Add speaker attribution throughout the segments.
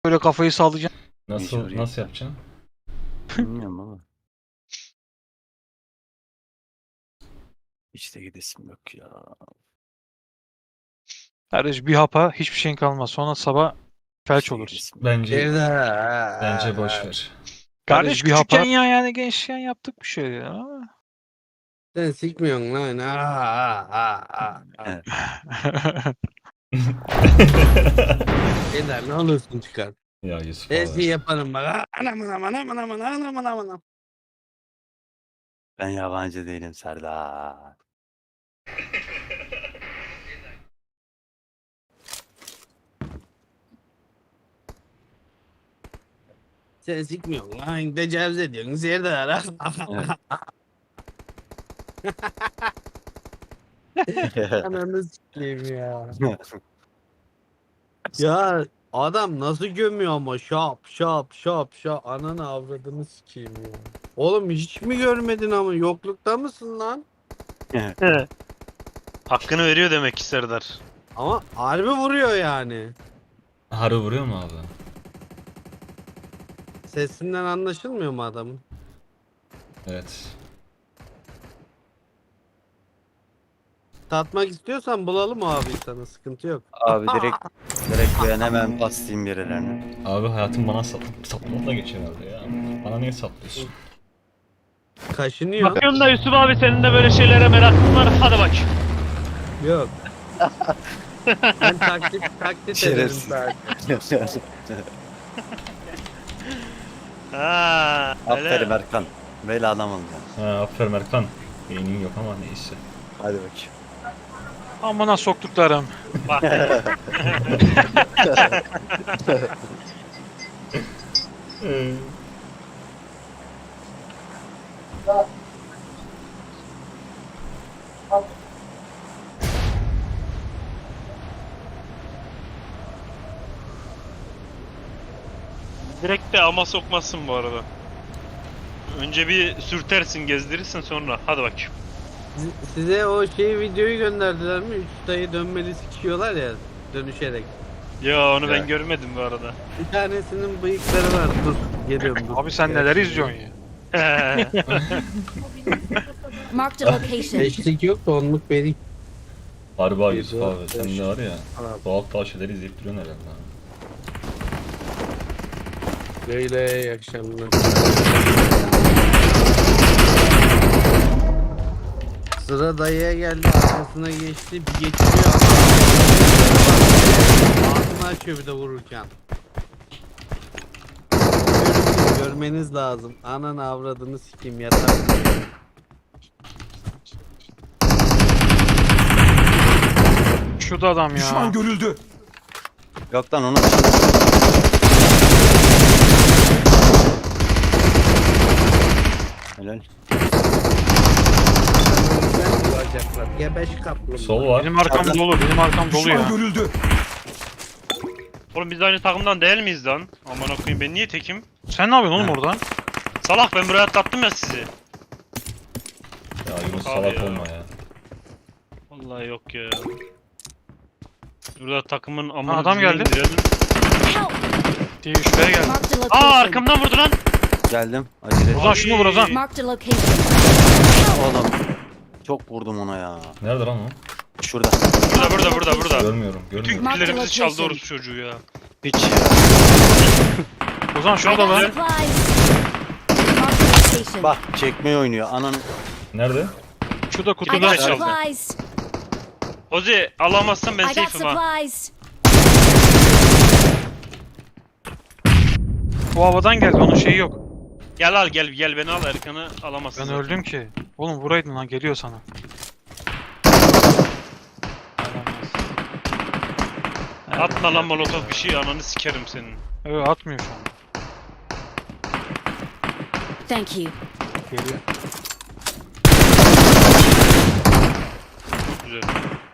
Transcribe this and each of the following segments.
Speaker 1: Böyle kafayı sallayacaksın.
Speaker 2: Nasıl yapacaksın?
Speaker 3: Bilmiyorum ama. Hiç de gidesim yok ya.
Speaker 1: Kardeş bir hapa hiçbir şeyin kalmaz. Sonra sabah felç
Speaker 3: Hiç de
Speaker 1: oluruz.
Speaker 3: gidesim yok.
Speaker 2: Bence boş ver.
Speaker 1: Kardeş
Speaker 4: bir
Speaker 1: küçükken
Speaker 4: hapa.
Speaker 1: ya yani gençken yaptık bir şey ya. Ama.
Speaker 4: Sen sikmiyorsun lan. Eder ne olursun çıkar.
Speaker 2: Ya Yusuf
Speaker 4: Her
Speaker 2: abi.
Speaker 4: şeyi yaparım bak. Anam anam anam anam anam anam anam anam.
Speaker 3: Ben yabancı değilim Serdar.
Speaker 4: Sen sikmiyorsun lan. Tecavüz ediyorsun. Serdar. Ananı sikeyim ya. Ya adam nasıl gömüyor ama şap şap şap şap. Ananı avradını sikeyim ya. Oğlum hiç mi görmedin ama yoklukta mısın lan?
Speaker 5: Hakkını veriyor demek ki Serdar.
Speaker 4: Ama harbi vuruyor yani.
Speaker 2: Harbi vuruyor mu abi?
Speaker 4: Sesinden anlaşılmıyor mu adamın?
Speaker 2: Evet.
Speaker 4: Tatmak istiyorsan bulalım abi sana, sıkıntı yok.
Speaker 3: Abi direkt ben hemen bastayım birilerine.
Speaker 2: Abi hayatım bana saplamakla geçiyor herhalde ya. Bana niye saplıyorsun?
Speaker 4: Kaşınıyor.
Speaker 5: Bakıyorum da Yusuf abi senin de böyle şeylere merakın var. Hadi bak.
Speaker 4: Yok. Ben taklit ederim
Speaker 3: Şerefsiz.
Speaker 4: sadece.
Speaker 5: Ha,
Speaker 3: Aferin
Speaker 5: öyle.
Speaker 3: Erkan. Böyle adam olacaksın.
Speaker 2: Ha, aferin Erkan. Beynin yok ama neyse.
Speaker 3: Hadi bakayım.
Speaker 1: Amına soktuklarım.
Speaker 5: Bak. Direkt de ama sokmazsın bu arada. Önce bir sürtersin, gezdirirsin sonra. Hadi bak.
Speaker 4: Size o videoyu gönderdiler mi? Üç dayı dönmeli sikiyorlar ya dönüşerek.
Speaker 5: Ya onu ben
Speaker 3: Evet.
Speaker 5: görmedim bu arada.
Speaker 4: Bir tanesinin bıyıkları var. Dur geliyorum dur.
Speaker 1: Abi sen neler izliyorsun ya?
Speaker 6: Marked a location.
Speaker 4: Beşlik yok da onluk vereyim.
Speaker 2: Harbi abi Yusuf abi. Sen de var ya.
Speaker 4: Abi.
Speaker 2: Doğal şeyleri izleyip duruyorsun herhalde. ha.
Speaker 4: Böyle iyi akşamlar. Sıra dayıya geldi, arkasına geçti, bir geçiriyor ama ağzını açıyor bir de vururken. Görmeniz lazım. Ananı avradını sikeyim yatar.
Speaker 1: Şurada adam ya.
Speaker 7: görüldü.
Speaker 3: Yok lan onu. Helal.
Speaker 4: Güzel bulacaklar. Gebeş kaplumbağa.
Speaker 2: Sol var.
Speaker 1: Benim arkam dolu. Benim arkam dolu ya.
Speaker 7: görüldü.
Speaker 5: Oğlum biz de aynı takımdan değil miyiz lan? Aman okuyayım ben niye tekim?
Speaker 1: Sen ne yapıyorsun oğlum orada?
Speaker 5: Salak ben buraya atlattım ya sizi.
Speaker 2: Ya Yunus
Speaker 5: Abi
Speaker 2: salak
Speaker 5: ya.
Speaker 2: olma ya.
Speaker 5: Vallahi yok ya. Burada takımın amına
Speaker 1: adam
Speaker 5: düzgün
Speaker 1: geldi.
Speaker 5: indirelim.
Speaker 6: Help!
Speaker 1: Diye şuraya geldi.
Speaker 6: Marked a
Speaker 5: Aa
Speaker 6: location.
Speaker 5: arkamdan vurdu lan.
Speaker 3: Geldim. Acele.
Speaker 1: Ozan şunu vur Ozan.
Speaker 6: Marked a location.
Speaker 3: Oğlum. Çok vurdum ona ya.
Speaker 2: Nerede lan o?
Speaker 3: Şurada.
Speaker 5: Burada.
Speaker 2: Görmüyorum.
Speaker 5: Bütün
Speaker 2: Görmüyorum.
Speaker 6: Mark the
Speaker 5: killerimizi çaldı
Speaker 6: location.
Speaker 5: orospu çocuğu ya.
Speaker 3: Hiç ya.
Speaker 1: Ozan
Speaker 6: I
Speaker 1: şurada
Speaker 6: got
Speaker 1: lan.
Speaker 6: supplies. Marked a location.
Speaker 3: Bak çekmeyi oynuyor. Ananı.
Speaker 2: Nerede?
Speaker 1: Şurada
Speaker 6: I
Speaker 1: kutuda.
Speaker 6: got
Speaker 5: çaldı.
Speaker 6: supplies.
Speaker 5: Ozi alamazsan ben
Speaker 6: I got
Speaker 5: safe'im ha.
Speaker 6: supplies.
Speaker 1: Bu havadan geldi. Onun şeyi yok.
Speaker 5: Gel gel beni al Erkan'ı alamazsın.
Speaker 1: Ben
Speaker 5: zaten.
Speaker 1: öldüm ki. Oğlum vuraydın lan geliyor sana.
Speaker 5: Atma lan molotof bir şey ananı sikerim senin.
Speaker 1: Evet atmıyor şu an.
Speaker 6: Thank you.
Speaker 1: Geliyor.
Speaker 5: Güzel.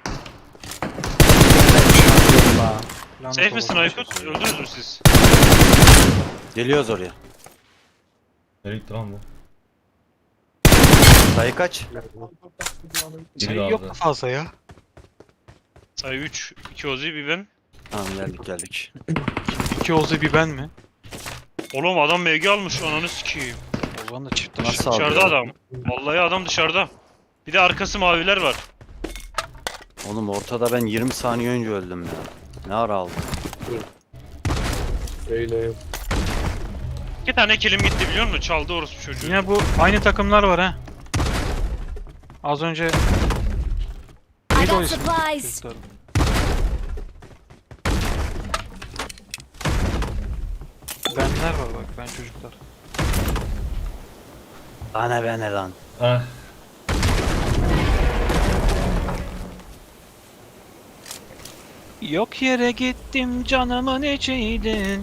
Speaker 1: Lanet
Speaker 5: Safe misin
Speaker 1: olası.
Speaker 5: Aykut? Öldünüz mü siz?
Speaker 3: Geliyoruz oraya.
Speaker 2: Nereye gitti lan bu?
Speaker 3: Sayı kaç?
Speaker 1: Şey
Speaker 2: Biri
Speaker 1: yok
Speaker 2: vardı.
Speaker 1: mu fazla ya?
Speaker 5: Sayı 3. 2 Ozi bir ben.
Speaker 3: Tamam geldik.
Speaker 1: İki Ozi bir ben mi?
Speaker 5: Oğlum adam MG almış ananı sikeyim.
Speaker 1: O zaman da çift
Speaker 3: Nasıl
Speaker 1: taşı.
Speaker 3: aldı
Speaker 5: Dışarıda
Speaker 3: ya?
Speaker 5: adam. Vallahi adam dışarıda. Bir de arkası maviler var.
Speaker 3: Oğlum ortada ben 20 saniye önce öldüm ya. Ne ara aldım?
Speaker 4: Öyle.
Speaker 5: 2 tane kilim gitti biliyor musun? Çaldı orospu çocuğu.
Speaker 1: Yine bu aynı takımlar var ha. Az önce
Speaker 6: I
Speaker 1: neydi o
Speaker 6: got
Speaker 1: isim?
Speaker 6: supplies.
Speaker 1: Çocukların. Benler var bak, ben çocuklar.
Speaker 3: Ana be ne lan?
Speaker 2: Ah.
Speaker 1: Yok yere gittim canımın içiydin.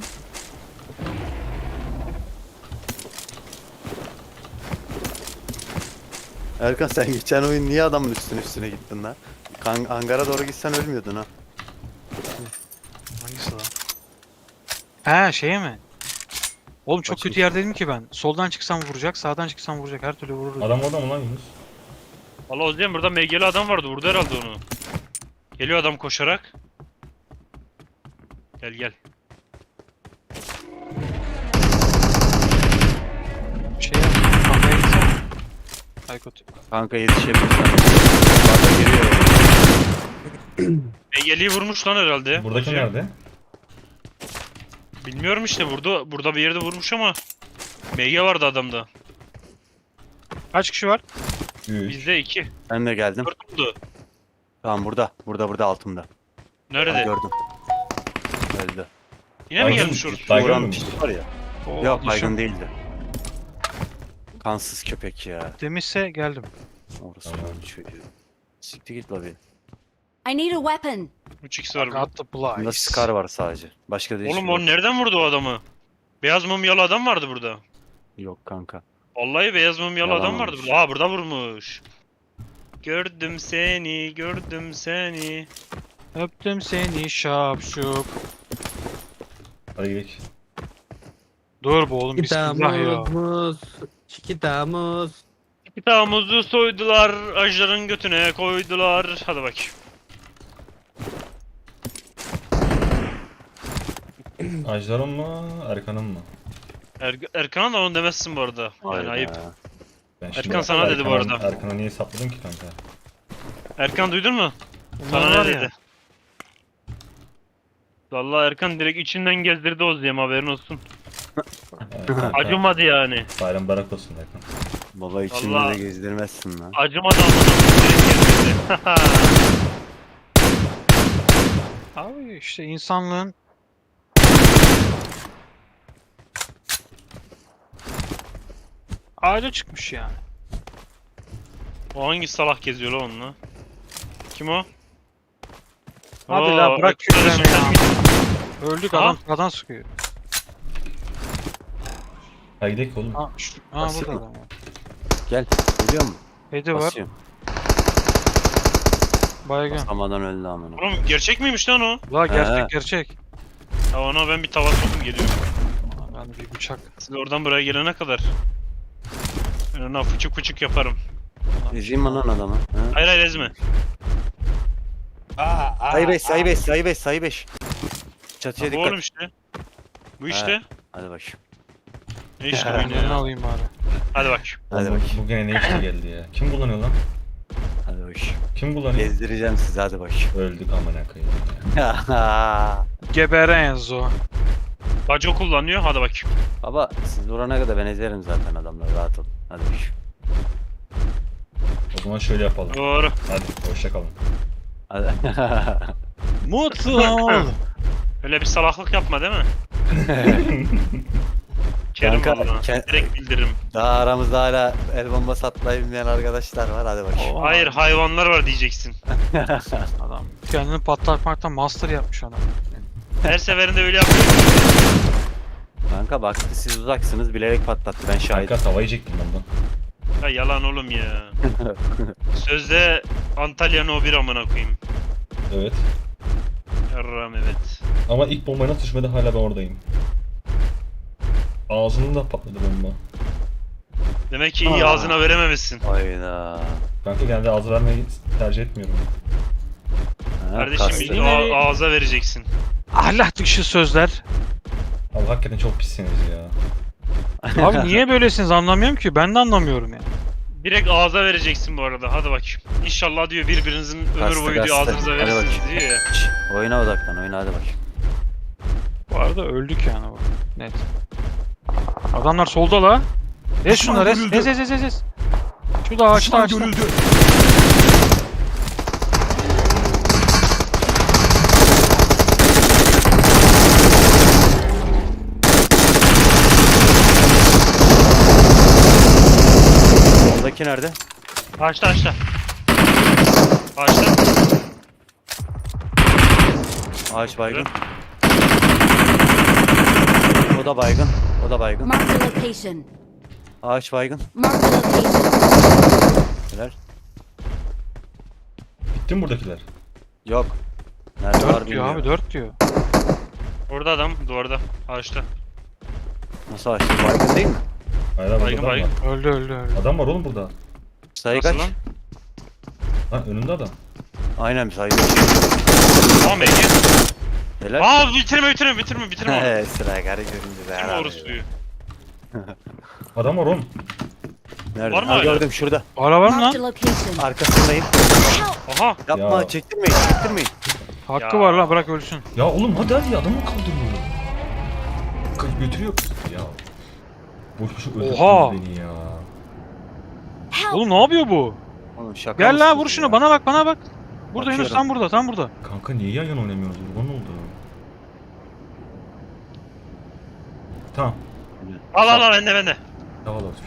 Speaker 3: Erkan sen geçen oyun niye adamın üstüne gittin lan? Hangara doğru gitsen ölmüyordun ha.
Speaker 1: Hangisi lan? He şeye mi? Oğlum çok
Speaker 3: Açayım.
Speaker 1: kötü yerdeydim ki ben. Soldan çıksam vuracak, sağdan çıksam vuracak. Her türlü vururdu.
Speaker 2: Adam orada mı lan Yunus?
Speaker 5: Valla Ozcan burada MG'li adam vardı. Vurdu herhalde onu. Geliyor adam koşarak. Gel gel.
Speaker 1: Şey yap, kafaya gitsene. Aykut.
Speaker 3: Kanka yetişebilirsen. Bana geliyor.
Speaker 5: MG'liyi vurmuş lan herhalde.
Speaker 2: Buradaki
Speaker 5: Ozcan.
Speaker 2: nerede?
Speaker 5: Bilmiyorum işte burada bir yerde vurmuş ama MG vardı adamda.
Speaker 1: Kaç kişi var?
Speaker 2: 3.
Speaker 5: Bizde 2.
Speaker 3: Ben de geldim.
Speaker 5: 4 oldu.
Speaker 3: Tamam burada. Burada altımda.
Speaker 5: Nerede?
Speaker 3: Gördüm. Öldü.
Speaker 5: Yine mi
Speaker 2: Baygın-
Speaker 5: gelmiş orası?
Speaker 2: Baygın
Speaker 3: Vuran
Speaker 2: mı?
Speaker 3: piç var ya.
Speaker 1: Oo,
Speaker 3: Yok
Speaker 1: düşün.
Speaker 3: baygın değildi. Kansız köpek ya.
Speaker 1: Demişse geldim.
Speaker 3: Orası
Speaker 2: Tamam.
Speaker 3: çocuğu. Siktir git lobi.
Speaker 6: I need a weapon.
Speaker 5: 3x var burada.
Speaker 1: Got the
Speaker 3: Bunda
Speaker 1: Blaze.
Speaker 3: Scar var sadece. Başka değişik
Speaker 5: Oğlum
Speaker 3: yok.
Speaker 5: o nereden vurdu o adamı? Beyaz mumyalı adam vardı burada.
Speaker 3: Yok kanka.
Speaker 5: Vallahi beyaz mumyalı
Speaker 3: Yalan
Speaker 5: adam vardı
Speaker 3: olmuş.
Speaker 5: burada. Aa burada vurmuş. Gördüm seni, gördüm seni.
Speaker 1: Öptüm seni şapşuk.
Speaker 2: Hadi gidelim.
Speaker 1: Dur bu oğlum, bismillah ya.
Speaker 4: Temmuz. 2 Temmuz.
Speaker 5: Kitağımızı soydular, ajların götüne koydular. Hadi bak.
Speaker 2: Ajdar'ın mı? Erkan'ın mı?
Speaker 5: Erkan'a da onu demezsin bu arada. Yani
Speaker 3: Hayda.
Speaker 5: ayıp.
Speaker 2: Ben
Speaker 5: Erkan sana dedi bu arada.
Speaker 2: Erkan'a niye sapladın ki kanka?
Speaker 5: Erkan duydun mu?
Speaker 1: Bunlar
Speaker 5: Sana
Speaker 1: var
Speaker 5: ne
Speaker 1: ya.
Speaker 5: dedi? Vallahi Erkan direkt içinden gezdirdi Ozyem, haberin olsun.
Speaker 2: Kanka,
Speaker 5: Acımadı yani.
Speaker 2: Bayram barak olsun Erkan.
Speaker 3: Baba içinde
Speaker 5: Allah.
Speaker 3: de gezdirmezsin lan.
Speaker 5: Acımadı ama direkt gezdirdi.
Speaker 1: Abi işte insanlığın ağaca çıkmış yani.
Speaker 5: O hangi salak geziyor lan onunla? Kim o?
Speaker 1: Hadi
Speaker 5: Oo,
Speaker 1: la bırak
Speaker 5: Erkan
Speaker 1: küfremi ya.
Speaker 5: şimdi-
Speaker 1: Öldük,
Speaker 5: Ha?
Speaker 1: adam sağdan sıkıyor.
Speaker 2: Hadi gidelim oğlum.
Speaker 1: Ha, ha
Speaker 3: Basıyor
Speaker 1: burada
Speaker 3: mu?
Speaker 1: adam var.
Speaker 3: Gel. Geliyor mu?
Speaker 1: Hedi var.
Speaker 3: Basıyorum.
Speaker 1: Baygın.
Speaker 3: Basamadan öldü amına.
Speaker 5: Oğlum gerçek miymiş lan o?
Speaker 1: La
Speaker 3: He.
Speaker 1: gerçek gerçek.
Speaker 5: Ya ona ben bir tava sokum geliyorum.
Speaker 1: Ben bir bıçak.
Speaker 5: Siz oradan buraya gelene kadar. Ben ona fıçık fıçık yaparım.
Speaker 3: Ezeyim mi lan adamı? Ha?
Speaker 5: Hayır hayır ezme.
Speaker 3: Sayı 5. Çatıya
Speaker 5: Bu
Speaker 3: dikkat.
Speaker 5: oğlum işte. Bu işte.
Speaker 3: Hadi bak.
Speaker 5: Ne işte bu
Speaker 1: Önlerini
Speaker 5: yine ya.
Speaker 1: alayım bari.
Speaker 5: Hadi bak.
Speaker 3: Hadi
Speaker 2: Oğlum,
Speaker 3: bak.
Speaker 2: Bu gene ne işe geldi ya? Kim kullanıyor lan?
Speaker 3: Hadi bak.
Speaker 2: Kim kullanıyor?
Speaker 3: Gezdireceğim sizi hadi bak.
Speaker 2: Öldük amına koyayım ya.
Speaker 1: Gebere Enzo.
Speaker 5: Baco kullanıyor. Hadi bak.
Speaker 3: Baba siz vurana kadar ben ezerim zaten adamları, rahat olun. Hadi bak.
Speaker 2: O zaman şöyle yapalım.
Speaker 5: Doğru.
Speaker 2: Hadi hoşça kalın.
Speaker 3: Hadi.
Speaker 1: Mutlu ol.
Speaker 5: Öyle bir salaklık yapma değil mi? Kerim
Speaker 3: Kanka,
Speaker 5: valla. Direkt bildiririm.
Speaker 3: Daha aramızda hala el bombası atlayabilmeyen arkadaşlar var, hadi bak.
Speaker 5: Hayır hayvanlar var diyeceksin.
Speaker 1: Adam kendini patlatmaktan master yapmış adam.
Speaker 5: Her seferinde öyle yapıyor.
Speaker 3: Kanka baktı siz uzaksınız, bilerek patlattı, ben şahidim.
Speaker 2: Kanka tava yiyecektim ondan.
Speaker 5: Ya yalan oğlum ya. Sözde Antalya'nın o bir amına koyayım.
Speaker 2: Evet.
Speaker 5: Yarram evet.
Speaker 2: Ama ilk bombayı nasıl düşmedi hala ben oradayım. Ağzının da patladı bomba.
Speaker 5: Demek ki iyi ağzına verememişsin.
Speaker 3: Hayda.
Speaker 2: Kanka genelde ağzı vermeyi tercih etmiyorum.
Speaker 3: Ha,
Speaker 5: Kardeşim
Speaker 3: kastı.
Speaker 5: bir ağza vereceksin.
Speaker 1: Ahlak dışı sözler
Speaker 2: Abi hakikaten çok pissiniz ya.
Speaker 1: Abi niye böylesiniz anlamıyorum ki. Ben de anlamıyorum ya.
Speaker 5: Direkt ağza vereceksin bu arada. Hadi bakayım. İnşallah diyor birbirinizin ömür
Speaker 3: Kastı,
Speaker 5: boyu diyor
Speaker 3: kastı.
Speaker 5: ağzınıza
Speaker 3: Hadi
Speaker 5: verirsiniz
Speaker 3: bakayım.
Speaker 5: diyor ya.
Speaker 3: Şş, oyuna odaklan, oyuna hadi bak.
Speaker 1: Bu arada öldük yani bu. Net. Adamlar solda la. Ez şunları ez. Ez. Şurada ağaçta.
Speaker 3: Soldaki nerede?
Speaker 5: Ağaçta. Ağaçta.
Speaker 3: Ağaç baygın. O da baygın. O da baygın.
Speaker 6: Mark the location.
Speaker 3: Ağaç baygın.
Speaker 6: Mark the location.
Speaker 3: Helal.
Speaker 2: Bitti mi buradakiler?
Speaker 3: Yok. Nerede var
Speaker 1: 4 diyor
Speaker 3: bilmiyorum.
Speaker 1: abi 4 diyor.
Speaker 5: Orada adam duvarda. Ağaçta.
Speaker 3: Nasıl açtı? Baygın değil mi?
Speaker 2: Hayır abi
Speaker 5: Baygın,
Speaker 2: burada adam
Speaker 5: baygın.
Speaker 2: var.
Speaker 1: Öldü.
Speaker 2: Adam var oğlum burada.
Speaker 3: Sayı
Speaker 5: Nasıl
Speaker 3: kaç?
Speaker 5: lan?
Speaker 2: Ha önünde adam.
Speaker 3: Aynen sayı kaç.
Speaker 5: Tamam Ege.
Speaker 3: Helal.
Speaker 5: Aa bitirme onu.
Speaker 3: He sıra garı göründü be.
Speaker 5: Kim
Speaker 3: abi.
Speaker 5: orospuyu?
Speaker 2: Adam var oğlum.
Speaker 3: Nerede?
Speaker 5: Var mı
Speaker 3: Ha,
Speaker 5: hala?
Speaker 3: gördüm şurada.
Speaker 1: Ara var mı
Speaker 6: Mark the
Speaker 1: lan?
Speaker 6: location.
Speaker 3: Arkasındayım.
Speaker 6: Help!
Speaker 5: Aha.
Speaker 3: Yapma
Speaker 2: Ya.
Speaker 3: çektirmeyin.
Speaker 1: Hakkı
Speaker 5: Ya.
Speaker 1: var lan bırak ölsün.
Speaker 2: Ya oğlum hadi adamı kaldırmıyor. Götürüyor. Ya. Boş boş öldürdünüz
Speaker 1: Oha.
Speaker 2: beni ya.
Speaker 6: Help!
Speaker 1: Oğlum ne yapıyor bu?
Speaker 3: Oğlum şaka
Speaker 1: Gel la
Speaker 3: mısınız
Speaker 1: vur şunu
Speaker 3: ya?
Speaker 1: bana bak. Burada Yunus
Speaker 3: Bakıyorum.
Speaker 1: tam burada.
Speaker 2: Kanka niye yan yana oynamıyoruz? Kurban oldu. Tamam.
Speaker 5: Al bende.
Speaker 2: Havalı olsun.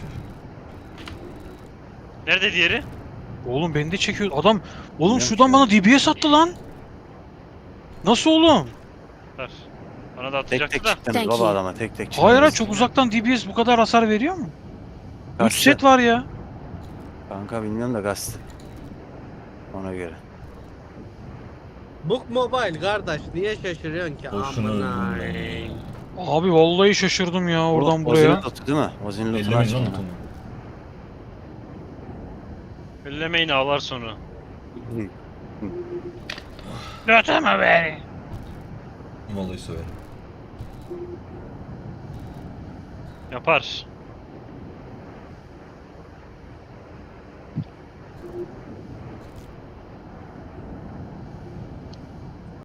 Speaker 5: Nerede diğeri?
Speaker 1: Oğlum beni de çekiyor. Adam oğlum
Speaker 3: Bilmiyorum
Speaker 1: şuradan
Speaker 3: ki.
Speaker 1: bana DBS attı lan. Nasıl oğlum?
Speaker 5: Ver. Bana da
Speaker 3: Tek
Speaker 5: atacaktı
Speaker 3: tek
Speaker 5: da.
Speaker 3: çıktınız
Speaker 6: Thank
Speaker 3: baba
Speaker 6: you.
Speaker 3: adama tek tek çıktınız.
Speaker 1: Hayır çok uzaktan DBS bu kadar hasar veriyor mu? 3
Speaker 3: Kaçtı.
Speaker 1: set var ya.
Speaker 3: Kanka bilmiyorum da gazete. Ona göre.
Speaker 4: Book Mobile kardeş niye şaşırıyorsun ki?
Speaker 2: Boşuna
Speaker 4: Amına.
Speaker 2: öldüm ben ya.
Speaker 1: Abi vallahi şaşırdım ya oradan
Speaker 3: O-
Speaker 1: buraya.
Speaker 3: Ozil'in loot'u değil mi? Ozil'in loot'unu
Speaker 2: Ellemeyin lan
Speaker 3: açtım.
Speaker 2: lootumu.
Speaker 5: Ellemeyin ağlar sonra.
Speaker 3: Hı.
Speaker 5: Lütfen beni.
Speaker 2: Vallahi söverim.
Speaker 5: Yapar.